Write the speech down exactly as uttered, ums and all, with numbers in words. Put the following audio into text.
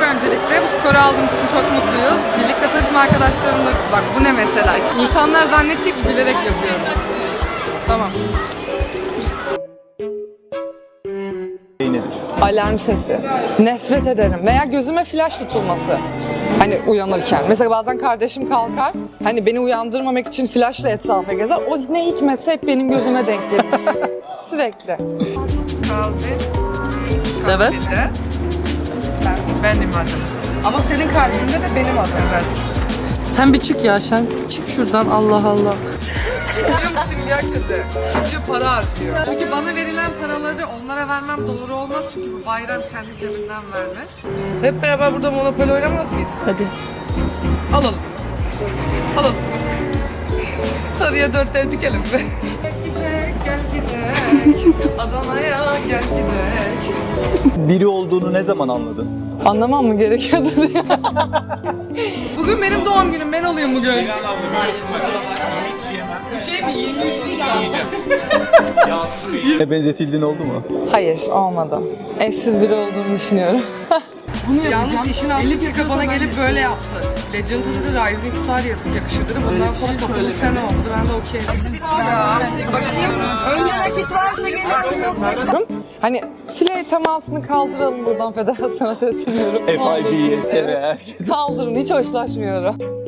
öncelikle. Bu skoru aldığımız için çok mutluyuz. Birlikte takım arkadaşlarım da bak bu ne mesela. İnsanlar zannedecek ki bilerek yapıyorum. Tamam. Nedir? Alarm sesi. Nefret ederim. Veya gözüme flash tutulması. Hani uyanırken. Mesela bazen kardeşim kalkar. Hani beni uyandırmamak için flashla etrafa gezer. O ne hikmetse hep benim gözüme denk gelir. Sürekli. Kalbin. Evet. Kalbinde. Benim adım. Ama senin kalbinde de benim adım. Evet. Sen bir çık ya sen. Çık şuradan Allah Allah. Biliyor musun simger kızı? Çünkü para harcıyor. Çünkü bana verilen paraları onlara vermem doğru olmaz. Çünkü bu bayram kendi cebinden verme. Hep beraber burada Monopoly oynamaz mıyız? Hadi. Alalım. Alalım. Sarıya dört ev dikelim be. İpek gel gidelim. Adana'ya gel gidelim. Biri olduğunu ne zaman anladın? Anlamam mı gerekiyordu diye. Bugün benim doğum günüm. Ben olayım bugün. Hayır. Bu şey mi? yirmi üç Nisan. Ne benzetildiğin oldu mu? Hayır, olmadı. Eşsiz biri olduğumu düşünüyorum. Bunu Yalnız işin aslı Tika bana gelip böyle yaptı. Legend'da da Rising Star yatıp yakışır dedi. Bundan sonra kapılım sene oldu. Ben de okey. Nasıl bir ya? Bakayım. Önce nakit varsa gelirim yoksa. Hani file temasını kaldıralım buradan federasyona sesleniyorum. F I B'ye, S V herkese. Kaldırın, hiç hoşlaşmıyorum.